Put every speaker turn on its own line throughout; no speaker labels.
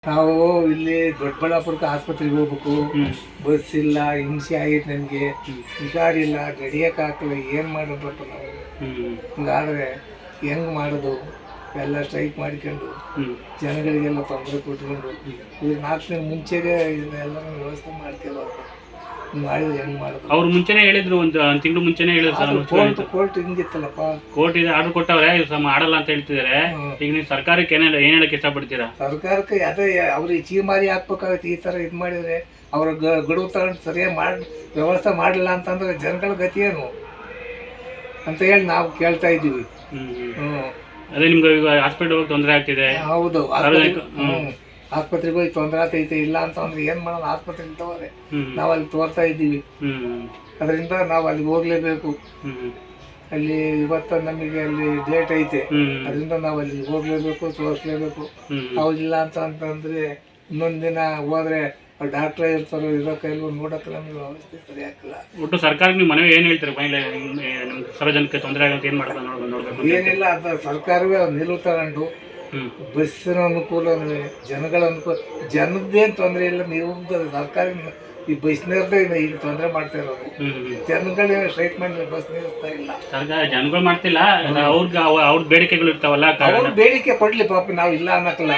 ನಾವು ಇಲ್ಲಿ ದೊಡ್ಡಬಳ್ಳಾಪುರಕ್ಕೆ ಆಸ್ಪತ್ರೆಗೆ ಹೋಗ್ಬೇಕು, ಬಸ್ ಇಲ್ಲ, ಹಿಂಸೆ ಆಗೈತೆ ನಮಗೆ, ಹುಷಾರಿಲ್ಲ, ಗಡಿಯಕ್ಕಾಗಲ್ಲ, ಏನು ಮಾಡೋದಪ್ಪ ನಾವು. ಹಿಂಗಾದ್ರೆ ಹೆಂಗೆ ಮಾಡೋದು? ಎಲ್ಲ ಸ್ಟ್ರೈಕ್ ಮಾಡ್ಕೊಂಡು ಜನಗಳಿಗೆಲ್ಲ ತೊಂದರೆ ಕೊಟ್ಕೊಂಡು ಇದು 4 ದಿನ ಮುಂಚೆಗೆ ಇದನ್ನೆಲ್ಲ ವ್ಯವಸ್ಥೆ ಮಾಡ್ತೀವಪ್ಪ. ಮಾಡಿದ್ರೆ ಹೆಂಗೆ ಮಾಡೋದು?
ಅವ್ರು ಮುಂಚೆನೇ ಹೇಳಿದ್ರು, ಒಂದು ತಿಂಗಳು ಮುಂಚೆನೇ ಹೇಳಿದ್ರು.
ಕೋರ್ಟ್ ಹಿಂಗಿತ್ತಲ್ಲಪ್ಪ,
ಕೋರ್ಟ್ ಇದೆ ಆರ್ಡರ್ ಕೊಟ್ಟವ್ರೆ, ಮಾಡಲ್ಲ ಅಂತ ಹೇಳ್ತಿದ್ದಾರೆ. ಈಗ ನೀವು ಸರ್ಕಾರಕ್ಕೆ ಏನ್ ಹೇಳಕ್ ಇಷ್ಟಪಡ್ತೀರಾ?
ಸರ್ಕಾರಕ್ಕೆ ಅದೇ ಅವ್ರಿಗೆ ಚೀಮಾರಿ ಹಾಕ್ಬೇಕಾಗತ್ತೆ. ಈ ಥರ ಇದು ಮಾಡಿದರೆ ಅವ್ರ ಗಡುವು ತಗೊಂಡು ಸರಿಯಾಗಿ ವ್ಯವಸ್ಥೆ ಮಾಡಲಿಲ್ಲ ಅಂತಂದ್ರೆ ಜನಗಳ ಗತಿ ಏನು ಅಂತ ಹೇಳಿ ನಾವು ಕೇಳ್ತಾ ಇದ್ದೀವಿ.
ಅದೇ ನಿಮ್ಗೆ ಈಗ ಹಾಸ್ಪಿಟಲ್ ಹೋಗಿ ತೊಂದರೆ ಆಗ್ತಿದೆ.
ಹೌದು, ಆಸ್ಪತ್ರೆಗೆ ಹೋಗಿ ತೊಂದರೆ ಆಗ್ತೈತೆ. ಇಲ್ಲ ಅಂತಂದ್ರೆ ಏನು ಮಾಡೋಣ, ಆಸ್ಪತ್ರೆ ಇರ್ತವ್ರೆ, ನಾವು ಅಲ್ಲಿ ತೋರ್ತಾ ಇದ್ದೀವಿ. ಅದರಿಂದ ನಾವು ಅಲ್ಲಿಗೆ ಹೋಗ್ಲೇಬೇಕು. ಅಲ್ಲಿ ಇವತ್ತು ನಮಗೆ ಅಲ್ಲಿ ಡೇಟ್ ಐತೆ, ಅದರಿಂದ ನಾವು ಅಲ್ಲಿ ಹೋಗ್ಲೇಬೇಕು, ತೋರಿಸ್ಲೇಬೇಕು. ಹೌದಿಲ್ಲ ಅಂತಂದ್ರೆ ಇನ್ನೊಂದು ದಿನ ಹೋದ್ರೆ ಡಾಕ್ಟ್ರೇ ಇರ್ತಾರೋ ಇರೋ ಕೈಲೂ ನೋಡಕ್ಕೆ ನಮಗೆ ವ್ಯವಸ್ಥೆ ಸರಿ ಆಗ್ತಿಲ್ಲ.
ಒಟ್ಟು ಸರ್ಕಾರಕ್ಕೆ ನೀವು ಮನವಿ ಏನು ಹೇಳ್ತೀರಿ? ಸಾರ್ವಜನಿಕ ತೊಂದರೆ ಆಗುತ್ತೆ ಏನು ಮಾಡ್ತಾರೆ ನೋಡ್ಬೇಕು?
ಏನಿಲ್ಲ, ಅದು ಸರ್ಕಾರವೇ ನಿಲುವು ತಗೊಂಡು ಬಸ್ಸಿನ ಅನುಕೂಲ, ಜನಗಳ ಅನುಕೂಲ, ಜನದ್ದೇನು ತೊಂದರೆ ಇಲ್ಲ. ನೀವು ಸರ್ಕಾರ ಈ ಬಸ್ನವ್ರದ್ದೇ ಈಗ ತೊಂದರೆ ಮಾಡ್ತಾ ಇರೋದು. ಜನಗಳೇ ಸ್ಟ್ರೈಕ್ ಮಾಡಿ ಬಸ್ ನಿಲ್ಲಿಸ್ತಾ ಇಲ್ಲ.
ಸರ್ಕಾರ ಜನಗಳು ಮಾಡ್ತಿಲ್ಲ, ಅವ್ರ ಬೇಡಿಕೆಗಳು ಇರ್ತಾವಲ್ಲ,
ಅವ್ರ ಬೇಡಿಕೆ ಕೊಡ್ಲಿ ಪಾಪ, ನಾವು ಇಲ್ಲ ಅನ್ನಕ್ಕಲ್ಲ.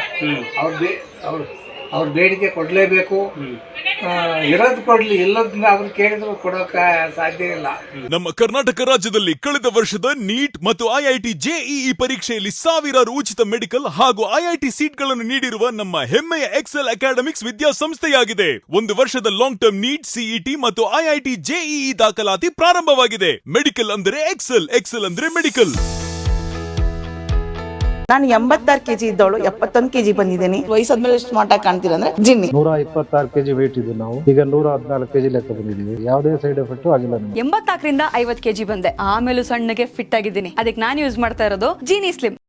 ಅವ್ರ ಬೇಡಿಕೆ ಕೊಡ್ಲೇಬೇಕು. ಇರೋದು ಕೊಡ್ಲಿ, ಇಲ್ಲದನ್ನ ಅವ್ರು ಕೇಳಿದ್ರು ಕೊಡೋಕ ಸಾಧ್ಯ ಇಲ್ಲ.
ನಮ್ಮ ಕರ್ನಾಟಕ ರಾಜ್ಯದಲ್ಲಿ ಕಳೆದ ವರ್ಷದ ನೀಟ್ ಮತ್ತು ಐಐಟಿ ಜೆಇಇ ಪರೀಕ್ಷೆಯಲ್ಲಿ ಸಾವಿರಾರು ಉಚಿತ ಮೆಡಿಕಲ್ ಹಾಗೂ ಐಐಟಿ ಸೀಟ್ಗಳನ್ನು ನೀಡಿರುವ ನಮ್ಮ ಹೆಮ್ಮೆಯ ಎಕ್ಸೆಲ್ ಅಕಾಡೆಮಿಕ್ಸ್ ವಿದ್ಯಾಸಂಸ್ಥೆಯಾಗಿದೆ. 1 ವರ್ಷದ ಲಾಂಗ್ ಟರ್ಮ್ ನೀಟ್, ಸಿಇಟಿ ಮತ್ತು ಐಐಟಿ ಜೆಇಇ ದಾಖಲಾತಿ ಪ್ರಾರಂಭವಾಗಿದೆ. ಮೆಡಿಕಲ್ ಅಂದರೆ ಎಕ್ಸೆಲ್, ಎಕ್ಸೆಲ್ ಅಂದ್ರೆ ಮೆಡಿಕಲ್.
ನಾನು 86 kg ಇದ್ದವಳು 71 kg ಬಂದಿದ್ದೀನಿ. ವಯಸ್ಸಾದ್ಮೇಲೆ ಸ್ಮಾರ್ಟ್ ಆಗಿ ಕಾಣ್ತೀರಾ ಅಂದ್ರೆ ಜಿನ್ನಿ.
126 kg ವೇಟ್ ಇದ್ದು ನಾವು ಈಗ 114 kg ಲೆಕ್ಕ ಬಂದಿದ್ದೀವಿ. ಯಾವುದೇ ಸೈಡ್ ಎಫೆಕ್ಟ್ ಆಗಿಲ್ಲ ನಮಗೆ.
84 ರಿಂದ 50 kg ಬಂದೆ. ಆಮೇಲೆ ಸಣ್ಣಗೆ ಫಿಟ್ ಆಗಿದ್ದೀನಿ. ಅದಕ್ಕೆ ನಾನು ಯೂಸ್ ಮಾಡ್ತಾ ಇರೋದು ಜೀನಿ ಸ್ಲಿಮ್.